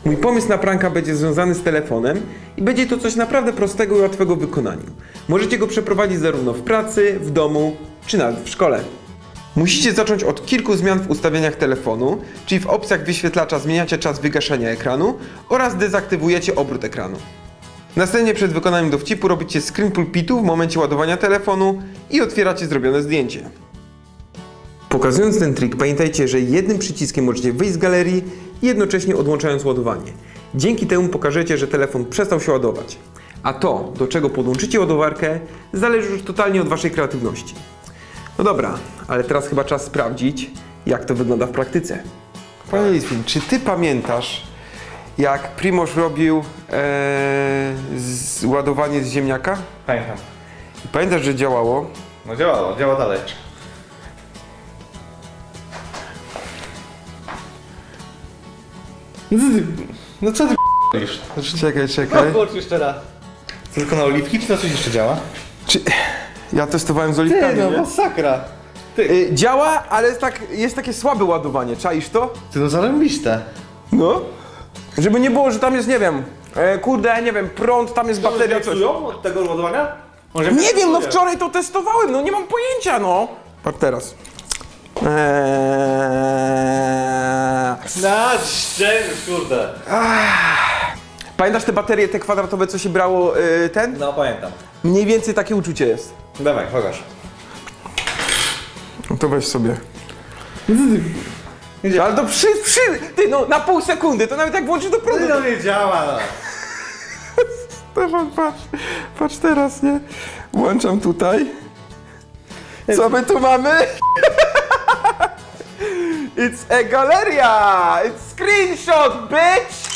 Mój pomysł na pranka będzie związany z telefonem i będzie to coś naprawdę prostego i łatwego w wykonaniu. Możecie go przeprowadzić zarówno w pracy, w domu, czy nawet w szkole. Musicie zacząć od kilku zmian w ustawieniach telefonu, czyli w opcjach wyświetlacza zmieniacie czas wygaszania ekranu oraz dezaktywujecie obrót ekranu. Następnie przed wykonaniem dowcipu robicie screen pulpitu w momencie ładowania telefonu i otwieracie zrobione zdjęcie. Pokazując ten trik, pamiętajcie, że jednym przyciskiem możecie wyjść z galerii, jednocześnie odłączając ładowanie. Dzięki temu pokażecie, że telefon przestał się ładować. A to, do czego podłączycie ładowarkę, zależy już totalnie od waszej kreatywności. No dobra, ale teraz chyba czas sprawdzić, jak to wygląda w praktyce. Panie Litwin, czy ty pamiętasz, jak Primož robił ładowanie z ziemniaka? Pamiętam. Pamiętasz, że działało? No działało, działa dalej. No co ty p***lisz? Czekaj. Włącz jeszcze raz. To tylko na oliwki, czy na coś jeszcze działa? Ja testowałem z oliwkami, Ty, no nie? masakra. Działa, ale jest takie słabe ładowanie, czaisz to? Ty, no zarąbiste. No. Żeby nie było, że tam jest, nie wiem, kurde, nie wiem, prąd, tam jest bateria, coś. od tego ładowania? Nie wiem, no wczoraj to testowałem, no nie mam pojęcia, no. Patrz teraz. Na szczęście, kurde. Pamiętasz te baterie, te kwadratowe, co się brało, ten? No pamiętam. Mniej więcej takie uczucie jest. Dawaj, pokaż. No to weź sobie. Ale to ty, no na pół sekundy, to nawet jak włączysz do prądu. No nie działa, no. Stefan, patrz teraz, nie? Włączam tutaj. Co my tu mamy? It's a galeria! It's screenshot, bitch!